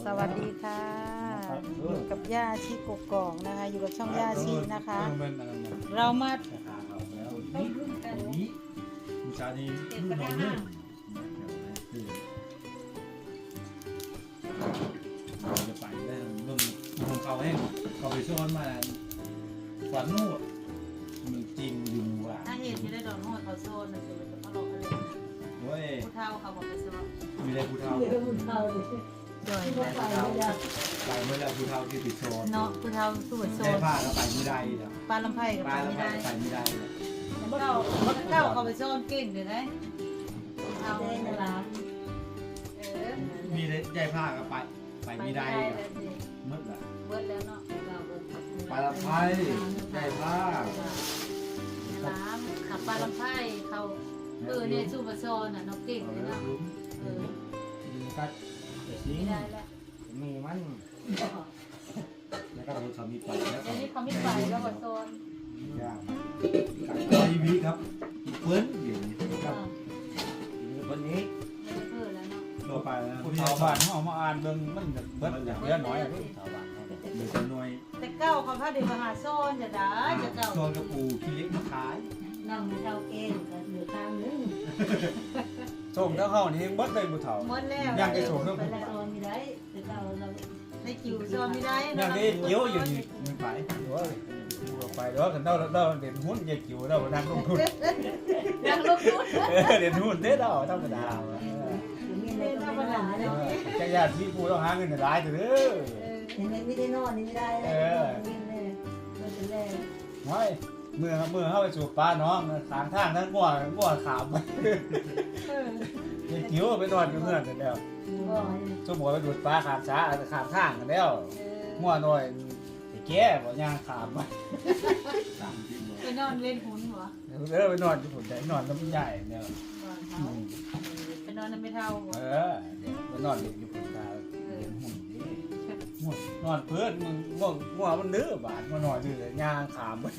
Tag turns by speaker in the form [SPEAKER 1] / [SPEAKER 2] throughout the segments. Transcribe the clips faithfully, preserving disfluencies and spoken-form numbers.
[SPEAKER 1] สวัสดีค่ะอยู่กับย่าชีกกอกนะคะอยู่กับช่องย่าชีนะคะ เรามา
[SPEAKER 2] นี้บูชานี้รุ่นน้องเนี่ยจะไปได้เบิ่งของเขาให้เขาไปซ้อนมาฝันโน่มันจริงอยู่ว่ะ
[SPEAKER 1] ถ้าเห็นที่ได้ดอกน้อยเขาโซนนะคือเขาลงอะไร
[SPEAKER 2] โอ้ย
[SPEAKER 1] ผู้เฒ่าเขาบอกไปซื้อ
[SPEAKER 2] มีอะไรผู้เฒ่า
[SPEAKER 1] จ่อย
[SPEAKER 2] ไปเมื่อไรผู้เฒ่าที่ติดโซน
[SPEAKER 1] เนาะผู้เฒ่าสู้โซ
[SPEAKER 2] ได้
[SPEAKER 1] น
[SPEAKER 2] ผ้าก็ไปไม่ได้แล้ว
[SPEAKER 1] ปลาลำไผ่กับ
[SPEAKER 2] ป
[SPEAKER 1] ป
[SPEAKER 2] ลา
[SPEAKER 1] ลา
[SPEAKER 2] แล้ว
[SPEAKER 1] ไม่ได้
[SPEAKER 2] ไปไม่ได้
[SPEAKER 1] เจ้าเจ้าเขาไปโซนเก่งเดี๋ยวนะเอาในร้านเออ
[SPEAKER 2] มีได้ผ้าก็ไปไปไม่ได้มืดละ
[SPEAKER 1] เบิดแล้วเนาะ
[SPEAKER 2] ปลาละไพได้ผ้า
[SPEAKER 1] ร้านขับปลาลำไผ่เขาเออเนี่ยสู้โซนอ่ะน้องเก่งเลยเนาะเออ
[SPEAKER 3] ก็เดี๋ยวนี้
[SPEAKER 1] ไม่ได้แล้ว
[SPEAKER 3] มีมัน
[SPEAKER 2] แล้วก็เขามีไปแล้ว
[SPEAKER 1] เดี๋ยวนี้เขาไม่ไปแล้วก็โซน
[SPEAKER 2] ยากทีวีครับเปิ้ลอยู่นี่
[SPEAKER 1] เออ
[SPEAKER 3] วันนี้
[SPEAKER 1] ไม่เพิ่มแล้วเนาะ
[SPEAKER 2] โลไปแล้ว
[SPEAKER 3] ผู้ชาวบ้านเขาเอามาอ่านเบิ่งมันเบิดอย่างเยอะน้อยอะผู้ชาวบ้านเขา
[SPEAKER 2] เดี๋ยวจะหน่วย
[SPEAKER 1] แต่เก้าเขาพาเด็กมาหาโซนจะได้จะเก้า
[SPEAKER 2] โซนกระปูขี้เล็กมาขาย
[SPEAKER 4] นั่งเท่าเกณฑ์ก็เหลือข้างนึง
[SPEAKER 3] ส่งเจ้าเข้านี่เบิดเลยผู้เฒ่า
[SPEAKER 1] หมดแล้ว
[SPEAKER 3] ยังได้ส่งเรื่อง
[SPEAKER 4] ไปละโซนไม่ได้แต่เราเรา
[SPEAKER 1] ในจิ๋วโซนไม่ได้
[SPEAKER 3] ยังได้เกี่ยวอยู่นี่มันไปโอ้ยดูไปเด้อกันเด้อเด้อเด่นหุ้นอย่าเกี่ยวเด้อนั่งลงทุน
[SPEAKER 1] ยังลูกพูด
[SPEAKER 3] เออเด่นหุ้นเด้อเด้อธรรมดา
[SPEAKER 4] มีอะไรก็ไม่ได้เลย
[SPEAKER 3] จักรยานที่ผู้ต้องหาเงินหลายเด้อ
[SPEAKER 4] ไม่ได้นอนนี่ไม่ได้เลยนี่เลยเราจะแล่
[SPEAKER 3] โอ้ยเมื่อเมื่อเข้าไปสู่ป่าน้องทางทางนั้นง่วงง่วงขามไปอย่าเกี่ยวไปนอนอยู่เฮือนกันแล้ว
[SPEAKER 4] ก็
[SPEAKER 3] สมมติไปดูดปลาขามช้าขามข้างกันแล้วง่วงหน่อยไอ้แก่บ่ย่างขามไป
[SPEAKER 2] สามที่โล
[SPEAKER 1] ไปนอนเล่นหุ่นหัว
[SPEAKER 3] เออไปนอนอยู่ฝุ่นได้นอนน้ำใหญ่เนี่ย
[SPEAKER 1] ไปนอนน้ำไม่เท่าหัว
[SPEAKER 3] เออเดี๋ยวไปนอนเล่นอยู่ฝุ่นตาเล่นหุ่นนี่ง่วงนอนเพื่อนมึงง่วงง่วงมันเนื้อบาดมานอนอยู่เลยย่างขามไป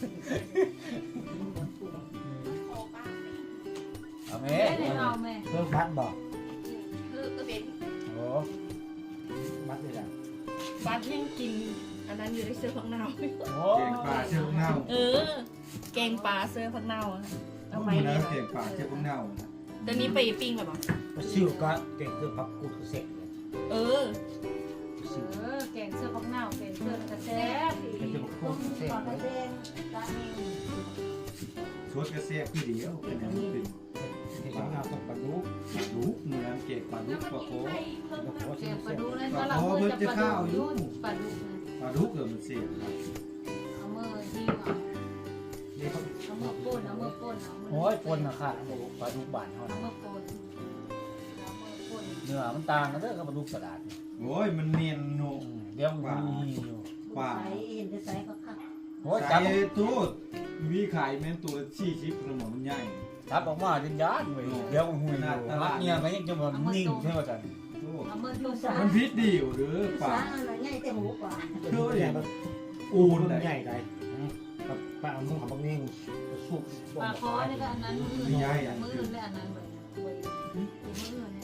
[SPEAKER 3] เอาไหม
[SPEAKER 1] แม่ได้เอาแม่
[SPEAKER 3] เพิ่มพัดบอก
[SPEAKER 5] คือก็เป็น
[SPEAKER 3] โอ้มัดเลยจ้ะ
[SPEAKER 5] ปลาที่ยังกินอันนั้นอยู่ในเสื้อผักเน่า
[SPEAKER 3] โอ้
[SPEAKER 2] เก่งป่าเชื่อพวกเน่า
[SPEAKER 5] เออ แกงปลาเสื้อผักเน่าอะเอาไว้
[SPEAKER 2] ดู
[SPEAKER 5] เล
[SPEAKER 2] แล้
[SPEAKER 5] ยว
[SPEAKER 2] เก่งป่าเชื่อพวกเน่า
[SPEAKER 5] ตอนนี้ไปปิ้งแบบ
[SPEAKER 3] ชิวก็เก่งคือพับกูดเสร็จเลย
[SPEAKER 5] เออ
[SPEAKER 1] เออแกงเสื้อพักเน่าแกงเสื้อกระแซบ
[SPEAKER 3] เป็นคือพับกู
[SPEAKER 4] ต้
[SPEAKER 3] ด
[SPEAKER 4] ม
[SPEAKER 3] เสร็จ
[SPEAKER 4] ก่อน
[SPEAKER 3] เล
[SPEAKER 4] ไป
[SPEAKER 3] ย
[SPEAKER 4] เองตาเอง
[SPEAKER 2] ชดกระเซียคือเดียวเป็นเป็น
[SPEAKER 3] ที่ทำงานต้องบรรลุ
[SPEAKER 2] ปลาดุกเหมือนเก่งปลาดุกปลาโค
[SPEAKER 1] แกงปลาดุกเลยถ้าเราเมื่อจะปลาดุกปลาดุกนะ
[SPEAKER 2] ปลาดุกเกิดมันเสีย
[SPEAKER 1] เอามือที่เอา
[SPEAKER 3] นี่เขา
[SPEAKER 1] เอามือป่นเอามือป่นเอามือ
[SPEAKER 3] โอ้ยปนนะค่ะปลาดุกบานเขา
[SPEAKER 1] เอา
[SPEAKER 3] นะ
[SPEAKER 1] มือป่นเอามือป่น
[SPEAKER 3] เนื้อมันต่างกันเด้อกับปลาดุกสลัด
[SPEAKER 2] โอ้ยมันเนียนโน
[SPEAKER 3] เดี๋ยวมันมีอยู่
[SPEAKER 2] ป่า
[SPEAKER 4] ใส่เห็นจะใส่ก็ขับ
[SPEAKER 3] โอ้ย
[SPEAKER 2] ไก่
[SPEAKER 3] จับ
[SPEAKER 2] ตู้มีไข่แม่นตัวชี้ชิปขนมมันใหญ่
[SPEAKER 3] จับออกมาดินยานเว้ยเดี๋ยวมันหุยอยู่มักเงี้ยก็ยังจะมันนิ่งใช่ไหมจ๊ะ
[SPEAKER 1] เอามือทุ่มสา
[SPEAKER 2] มันพิษดีอยู่หรือ
[SPEAKER 4] สา
[SPEAKER 2] ป่า
[SPEAKER 4] อะไรง่ายแต่หูกว่า
[SPEAKER 2] เฮ้ยอูน
[SPEAKER 3] ใหญ่ใหญ่กับปลาหมึกของบางนี่สุก
[SPEAKER 1] ปลาคอนี่ก็อันนั้นมือมือเลยอันนั้นเลยมือเนี่ย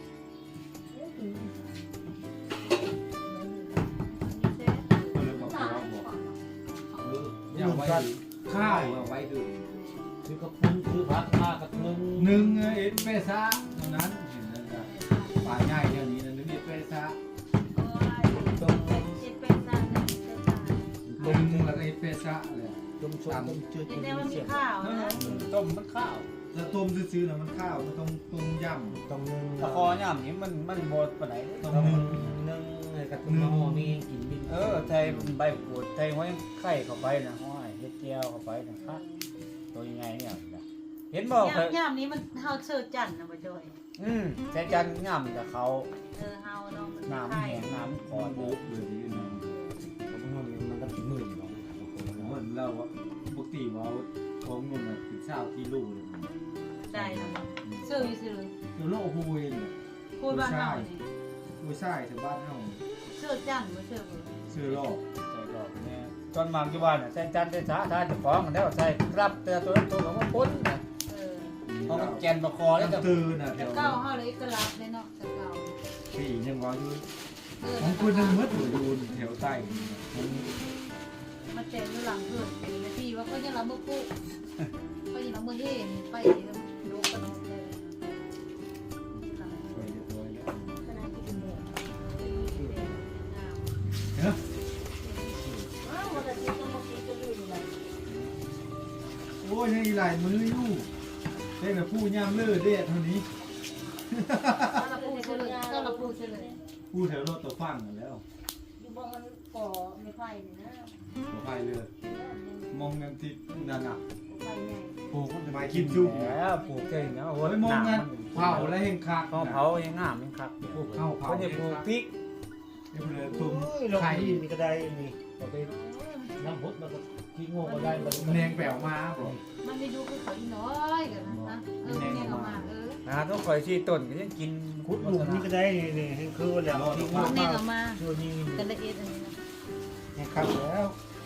[SPEAKER 2] เลยบอกว่าบอกเอออย่าไว้ข้าวเอาไว้ดื่ม
[SPEAKER 3] คือกระปุ้นคือพักมากกับนึง
[SPEAKER 2] หนึ่งเอ็ดเปซ่าเท่านั้นเห็นแล้วครับป่าง่ายอย่างนี้นะนึกเอ็ดเปซ่า
[SPEAKER 3] ต้ม
[SPEAKER 1] เจ็ดเป็นซันเจ็ดซัน
[SPEAKER 2] ลงแล้วก็เอ็ดเปซ่าเลย
[SPEAKER 3] ต้มชมต้มจืด
[SPEAKER 1] เดี๋ยวมันมีข้าวนะ
[SPEAKER 3] ต้มมันข้าว
[SPEAKER 2] จะต้มซื้อๆนะมันข้าวมันต้องต้มยำ
[SPEAKER 3] ต้มนึงตะคอย่ำนี่มันมันบดปานไหนต้มนึงนึงกับต้มหม้อมีกินบินเออไทยใบกูดไทยห้อยไข่เข้าไปนะห้อยเฮ็ดแก้วเข้าไปนะครับตัวยังไงเนี่ยเห็นบอก
[SPEAKER 1] ย่ามย่ามนี้มันเฮาเชิดจันนะบ่จอย
[SPEAKER 3] อืมแค่จันง่ำกับเขา
[SPEAKER 1] เออเฮาเนาะมัน
[SPEAKER 3] น้ำ
[SPEAKER 1] ไข่
[SPEAKER 3] แห้งน้ำค
[SPEAKER 2] ก่
[SPEAKER 3] อ
[SPEAKER 2] อน
[SPEAKER 3] น
[SPEAKER 2] โบ๊ะเลยทีนึง
[SPEAKER 3] มันก็ถึงหมื่นบาท
[SPEAKER 2] เหมือนเราปกติว่าของเงินถึงเช้ากิโลเลย
[SPEAKER 1] ได้แล้วเชื่ออยู่ซื่อ
[SPEAKER 2] คือโลโฮยเนี่ย
[SPEAKER 1] พูดบ้านเฮานี่
[SPEAKER 2] ไม่ใช่ถึงบ้านเฮา
[SPEAKER 1] เชื่อจันบ่เชื่อบ่
[SPEAKER 2] ซื้อโลก
[SPEAKER 3] ใจหลอกแม่ตอนมาอยู่บ้านน่ะแค่จันได้ช้าทานจะฟ้องกันแล้วใส่ครับแต่ตัวตัวของมันพ้นนะ
[SPEAKER 1] เออ
[SPEAKER 3] เพราะมันแกนประคอแล้ว
[SPEAKER 2] น้ำ
[SPEAKER 3] จะ
[SPEAKER 2] ตื่นอ่ะ
[SPEAKER 1] แต่
[SPEAKER 2] เดี๋ยว
[SPEAKER 1] เก้าเฮาเลยเอกลักษณ์เลยเนาะแต่เก้า
[SPEAKER 2] ปียังว่าอยู่
[SPEAKER 1] เออ
[SPEAKER 2] ของคุณนึงมืดอยู่อยู่แถวใต้
[SPEAKER 1] มาเต็มอยู่หลังเพื่อนเป็นพี่ว่าก็ยังรับมือปุ๊ก็ยังรับมือเฮ่ไปโลกกระโดดเลย
[SPEAKER 2] ไปเรียบร้อยแล้ว
[SPEAKER 4] ขนาดที่เป็นเด็ก
[SPEAKER 2] เนาะ
[SPEAKER 4] อ้าวมันจะกินต้องมากินก็อยู่นี่แหละ
[SPEAKER 2] โอ้ยยังอีหลายมืออยู่เด็กกับผู้ย่ำเลือดเด็ดเท่านี้
[SPEAKER 1] ก็รับพูดเลยก็รับพูดเลย
[SPEAKER 2] ผู้แถวรถตัวฟังกันแล้ว
[SPEAKER 4] อยู่บ้านมันก่อไม่ไผ่นี่นะ
[SPEAKER 2] หัวไปเลยมองกันที่นั่นอ่ะ
[SPEAKER 4] ไผ่ใหญ่
[SPEAKER 2] โอ้มันจะมากินจุ่ม
[SPEAKER 3] แล้วปลูกเก่งเนาะโอ้
[SPEAKER 2] โอ้ยมองกันเผาแล้วเฮงคัก
[SPEAKER 3] เผาเผายังงามยังคัก
[SPEAKER 2] ปลูกข้าวเผา
[SPEAKER 3] เขาจะปลูกพริก
[SPEAKER 2] เดี๋ยวเลยตุ้ม
[SPEAKER 6] ลง
[SPEAKER 2] ไข่
[SPEAKER 6] ที่มีก็ได้นี่เราไปน้ำพุมันก็ทิ้งโง่ก็ได้มัน
[SPEAKER 2] แนงแปลวมาบอก
[SPEAKER 1] มันไม่ดูคือเขาอีน้อยกันนะเออเนี่ยออกมาเออ
[SPEAKER 3] นะต้องคอยชี้ต้นก็ยังกิน
[SPEAKER 6] คุดหลุมนี่ก็ได้นี่นี่ให้คือแล้วทิ้งโง่
[SPEAKER 1] เนี่ย
[SPEAKER 6] มา
[SPEAKER 1] ออกมา
[SPEAKER 6] ช่วยนี่
[SPEAKER 1] กันละเอียดอันนี้นะ
[SPEAKER 6] ให้ครับแล้ว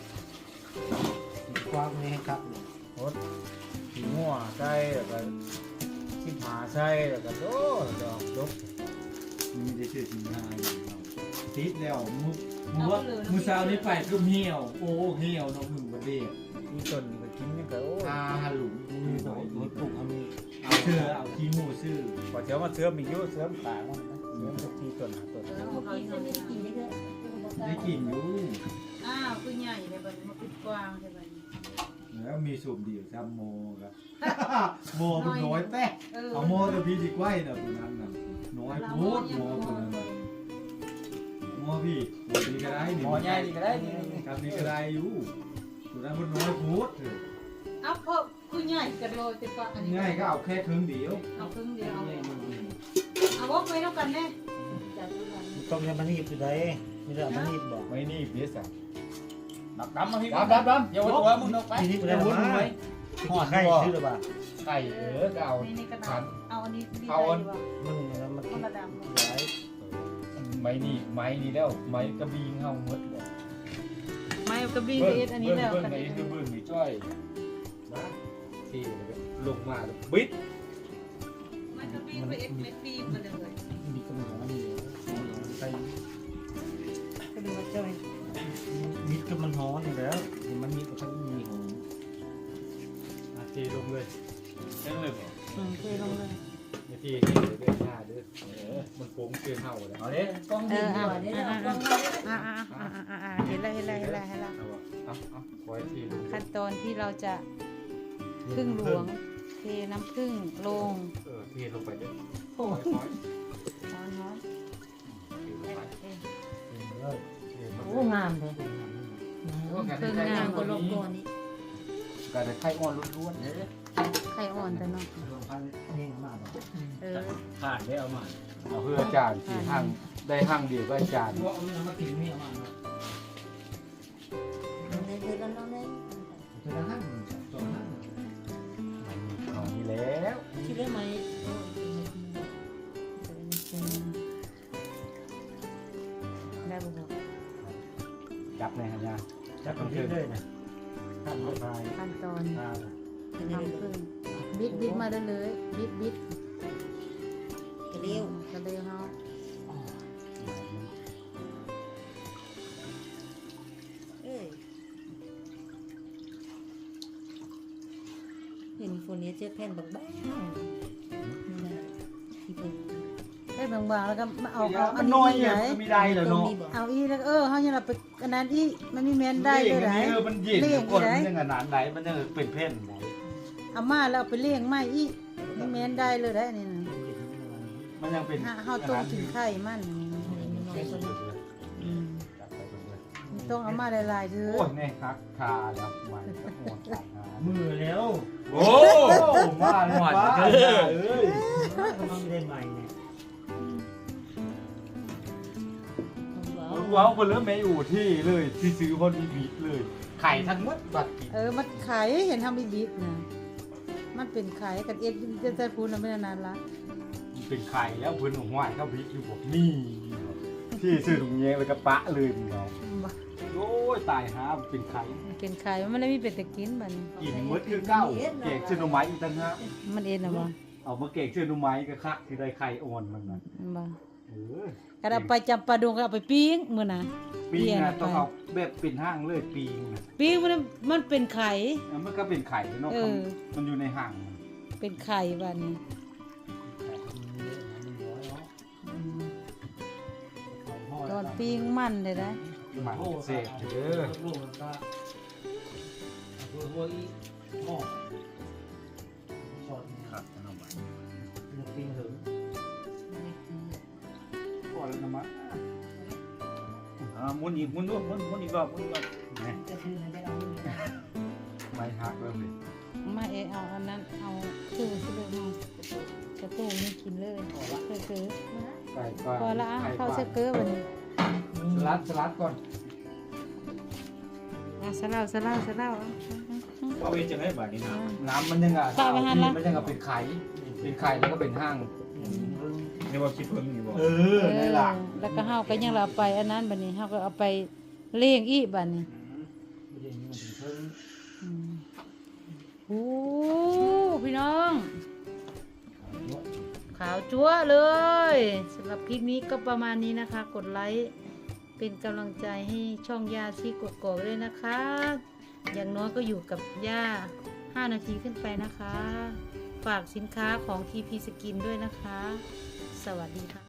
[SPEAKER 6] ความนี้ให้ครับ
[SPEAKER 3] โคตรขี้งัวใส่แล้วก็ขี้หมาใส่แล้วก็โอ้ดอกดก
[SPEAKER 2] มีได้เชื่อจริงง่ายติดแล้วมือมือมือเช้านี้ไปก็เหี่ยวโอ้เหี่ยวน้องหนึ่งประเดี๋ยว
[SPEAKER 3] มีต้นนี่ก็กินยังก็โอ้
[SPEAKER 2] ตาหลุม
[SPEAKER 6] มีหน่อยมีปลูกทำมี
[SPEAKER 2] เอาเชื่อเอาขี้หมูซื่อ
[SPEAKER 3] พอเจ้ามาเสื่อมอีกอยู่เสื่อมตายมันนะเสื่อมสักทีต้นหาต้น
[SPEAKER 1] เออ
[SPEAKER 4] เมื่อ
[SPEAKER 1] เขา
[SPEAKER 4] กี้
[SPEAKER 1] อี
[SPEAKER 4] ก็
[SPEAKER 1] น้อย
[SPEAKER 4] ไม่ได้กินเยอะ
[SPEAKER 2] ได้กลิ่นอยู่
[SPEAKER 1] อ้าวคือใหญ่เลยบัดมาปิดกว้างใช่ไหม
[SPEAKER 2] แล้วมีสูบเดี่ยวซ้ำโมครับ โมมันน้อยแป๊ะ
[SPEAKER 1] เออ
[SPEAKER 2] เอาโมตัวพี่ดีกว่าน่ะตัวนั้นน่ะน้อยโคตรโมตัวนั้นน่ะโมพี่ตัวนี้ก็ได้
[SPEAKER 3] หมอใหญ่นี่ก็ได้นี่
[SPEAKER 2] ครับนี่ก็ได้อยู่ตัวนั้นมันน้อยโคตร
[SPEAKER 1] เอาเพิ่มคือใหญ่กันเลยติดปะอันนี้
[SPEAKER 2] ง่ายก็เอาแค่ครึ่งเดียว
[SPEAKER 1] เอาครึ่งเดียวเอาเอาวอกไปเท่ากันแน่
[SPEAKER 4] ๆจากที่มัน
[SPEAKER 6] ต้องยังมันนีบอยู่ได้ไม่ได้มันนีบบอก
[SPEAKER 2] ไม่นี่เพี้ยสัก
[SPEAKER 3] ดับดำมาพี่ดับดับดับอย่าไว้ตัวมึงเอาไป
[SPEAKER 6] ทีนี้ก็ได้วนไว้ห่อไข่ซื้อหรือเปล่า
[SPEAKER 2] ไข่เออก็เอา
[SPEAKER 1] นี่นี่กระดาษเอาอันนี้ดี
[SPEAKER 2] เอาอัน
[SPEAKER 1] ใจดีกว่า
[SPEAKER 6] มันมัน
[SPEAKER 1] คนละดำ
[SPEAKER 6] ย้าย
[SPEAKER 2] ไม้นี่ไม้นี่แล้วไม้กระบีงเฮาหมดเลย
[SPEAKER 1] ไม่กระบี่เอสอันนี้แล้ว
[SPEAKER 2] เบิ้ง
[SPEAKER 1] กัน
[SPEAKER 2] ไหน
[SPEAKER 1] นี้
[SPEAKER 2] คือเบิ้งมีจ้อยนะที่ลงมาบิด
[SPEAKER 1] มันกระบี่ไปเอ็กเม็ดบีมาเลย
[SPEAKER 6] มีกระหน่ำมีใส่
[SPEAKER 1] ก็ดูว่าจ้อย
[SPEAKER 6] มิดก็มันฮ้อนอยู่แล้วมันมีก็ต้องมีหอม
[SPEAKER 2] อาทีลงเลยเล่นเลยเหรอ
[SPEAKER 1] อืมเทลงเลย
[SPEAKER 2] อาทีที่เดือนหน้าเด้อเออมันโค้งเกินเฮาเลยเอาเด้
[SPEAKER 4] กองดินหัวนี่เรากองมา
[SPEAKER 1] อ่าอ่าอ่าอ่าอ่าเห็นแล้วเห็นแล้วเห็นแล้วเห็นแล้ว
[SPEAKER 2] เอาเอาเอาคอยทีลง
[SPEAKER 1] ขั้นตอนที่เราจะพึ่งหลวงเทน้ำพึ่งลง
[SPEAKER 2] เออทีลงไปเด้อ
[SPEAKER 1] โอ้
[SPEAKER 2] คอย
[SPEAKER 1] ร้อนร้อน
[SPEAKER 4] โอ้งามเลย
[SPEAKER 1] พึ่งงาม
[SPEAKER 4] ก็ลงก่อนนี่
[SPEAKER 3] ก็ได้ไข่อ่อนล้วนๆเด้อ
[SPEAKER 1] ไข่อ่อนแต่เนาะ
[SPEAKER 6] รวมพันนี่มากเลย
[SPEAKER 1] เออ
[SPEAKER 3] ผ่านได้เอามาเอาเพื่ออาจารย์ที่ห้างได้ห้างเดียวก็อาจารย์
[SPEAKER 6] ว่าเอาเนื้อมากินไม่เอามา
[SPEAKER 4] ในเดือนนั้นเลย
[SPEAKER 6] เธอละห้างสองห้าง
[SPEAKER 3] เอานี่แล้ว
[SPEAKER 4] ที่เรื่องไหม
[SPEAKER 1] ได้บุก
[SPEAKER 3] จับในหันยา
[SPEAKER 6] จับกันเรื่อยๆนะขั้นรถไฟ
[SPEAKER 1] ขั้นตอน
[SPEAKER 6] อ่า
[SPEAKER 1] ทำพึ่งบิดบิดมาได้เลยบิดบิด
[SPEAKER 4] เร็ว
[SPEAKER 1] กระเดียวเนาะ
[SPEAKER 4] เอ้ยเห็นคนนี้เจอแผ่นบางๆนี่นะที่เป็น
[SPEAKER 1] ได้บางๆแล้วก็มาเอาเอา
[SPEAKER 3] มั
[SPEAKER 1] อั
[SPEAKER 3] น
[SPEAKER 1] น
[SPEAKER 3] น้อย
[SPEAKER 1] นี้
[SPEAKER 3] เนี่ย
[SPEAKER 1] ไหน
[SPEAKER 3] มันมีได้เหรอ
[SPEAKER 4] ตรง
[SPEAKER 3] เนาะ
[SPEAKER 4] นี้บอก
[SPEAKER 1] เอาอีแล้วเออเขาเนี่ยเราไปอันนั้นอีมันมีแมนได้เลยไหน
[SPEAKER 3] เออมันเย็น
[SPEAKER 1] เลี้ยง
[SPEAKER 3] คน
[SPEAKER 1] ไหน
[SPEAKER 3] มันยังขนาดไหนมันยังเป็นเพ่นไหน
[SPEAKER 1] เอามาแล้วเอาไปเลี้ยงไม่อีมีแมนได้เลยได้นี่นะ
[SPEAKER 3] มันยังเป็น
[SPEAKER 1] ถ้าเฮาต้มถึงไข่มันอืมมันต้องเอามาหลายๆเด้อ
[SPEAKER 3] โอ้ยเนี่ยคักคาแล้วมันก็หมดขา
[SPEAKER 6] มือแล้ว
[SPEAKER 3] โอ้มาเลยป้าเอ้ย
[SPEAKER 6] กำลังได้ใหม่เนี่ย
[SPEAKER 3] มันว้าวเพิ่นเริ่มไม่อยู่ที่เลยที่ซื้อพอดีบีเลย ไข่ทั้งหมดบัดกิน
[SPEAKER 1] เออมันไข่เห็นทำอีบิดนะมันเป็นไข่กันเอ็ดจะจะพูดนะไม่นานละ
[SPEAKER 3] มันเป็นไข่แล้วเพิ่นหัวเข้าบีอยู่บอกนี่ที่ซื้อถุงแยงเลยกระปะเลยมึงเอาโอ้ยตายฮะเป็นไข่
[SPEAKER 1] มันเป็นไข่มันไม่ได้มีเป็ดแต่กินบัดน
[SPEAKER 3] กินมดคือเก้าเก่งชื่อหน่อไม้อีกตั้งฮะ
[SPEAKER 1] มันเอ็นนะบ่
[SPEAKER 3] เอามาเก่งชื่อหน่อไม้ก็คักที่ได้ไข่อ่อนมันน่ะ
[SPEAKER 1] บ่
[SPEAKER 3] โอ้
[SPEAKER 4] ก็เอาไปจำปาดงก็เอาไปปิ้งมื้อน่ะ
[SPEAKER 3] ปีงอ่ะต้องเอาแบบเป็นห้างเลยปีงอ่ะ
[SPEAKER 4] ปิ้งมันมันเป็นไข่
[SPEAKER 3] แล้วมันก็เป็นไข่เนาะ
[SPEAKER 4] เออ
[SPEAKER 3] มันอยู่ในห้าง
[SPEAKER 4] เป็นไข่บัดนี้ตอนปิ้งมันเลยนะ
[SPEAKER 3] หมันเสพเด้อ
[SPEAKER 6] ลูกมันก็หัวหัวอีหม้อสอด
[SPEAKER 3] ครับน้องใบ
[SPEAKER 6] มันปิ้งถึง
[SPEAKER 3] ก่อนแล้วนะมะอ่ามุนอีกมุนด้วยมุนมุนอีกรอบมุนอีกรอบนี่
[SPEAKER 4] จะถือได้เอา
[SPEAKER 3] ใบหักแล้วเลย
[SPEAKER 4] มาเอเอาอันนั้นเอาคือสิเลยมากระตู้นี่กินเลยเคือคือ
[SPEAKER 3] ไก่ก่อน
[SPEAKER 4] พอละอ่ะเข้าเสเกอร์บัดนี้
[SPEAKER 3] สลัดสลัดก่อน
[SPEAKER 4] อ่ะสลาวสลาวสลาวอ่ะ
[SPEAKER 3] เอาไปจะให้แบบนี้นะน้ำมันยังอ่ะ
[SPEAKER 4] ข้าวไปหั่นละ
[SPEAKER 3] มันยังอ่ะเป็นไข่เป็นไข่แล้วก็เป็นห้างนี่ว่าคิดเพิ่งนี่บ่เออนี่ล่ะ
[SPEAKER 4] แล้วก็เฮาก็ยังเราเอาไปอันนั้นบัดนี้เฮาก็เอาไปเลี้ยงอีกบัดนี้
[SPEAKER 6] ไม่ได้มันถึงเพิ่ง
[SPEAKER 4] อืมโอ้พี่น้อง ขาวจั๊วเลยสำหรับคลิปนี้ก็ประมาณนี้นะคะ กดไลค์เป็นกำลังใจให้ช่องย่าชีกกอกด้วยนะคะ อย่างน้อยก็อยู่กับย่าห้านาทีขึ้นไปนะคะ ฝากสินค้าของ ที พี Skin ด้วยนะคะ สวัสดีค่ะ